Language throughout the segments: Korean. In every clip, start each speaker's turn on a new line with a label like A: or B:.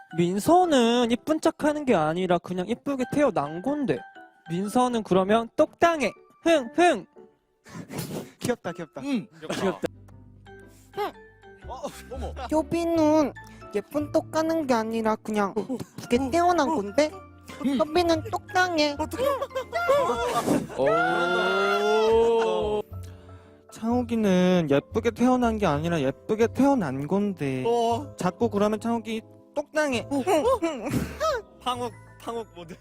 A: 민서는 이쁜 척하는 게 아니라 그냥 이쁘게 태어난 건데. 민서는 그러면 똑당해. 흥.
B: 귀엽다 귀엽다.
A: 귀엽다.
B: 어머.
C: 효빈은 예쁜 똑 까는 게 아니라 그냥 예쁘게 태어난 건데 효빈은 똑당해.
B: 창욱이는 예쁘게 태어난 게 아니라 예쁘게 태어난 건데 자꾸 그러면 창욱이 똑당해. 팡욱 모드.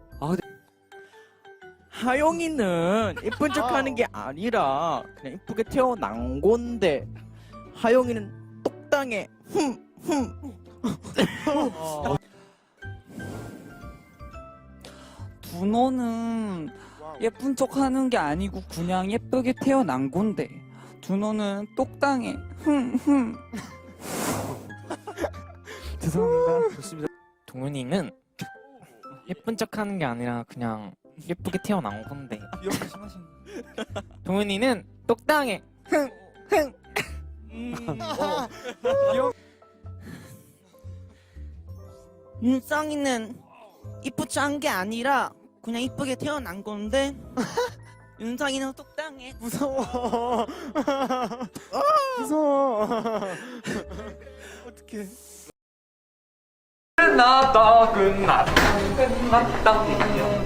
D: 하영이는 예쁜 척하는 게 아니라 그냥 예쁘게 태어난 건데 하영이는 똑당해.
E: 준호는 예쁜 척 하는 게 아니고 그냥 예쁘게 태어난 건데 준호는 똑당해.
A: 죄송합니다. 좋습니다.
F: 동윤이는 예쁜 척하는 게 아니라 그냥 예쁘게 태어난 건데 동윤이는 똑당해.
C: 윤성이는 이쁘지 않은 게 아니라 그냥 이쁘게 태어난 건데 윤성이는 똑당해.
B: 무서워. 무서워. 어떡해.
F: 끝났다.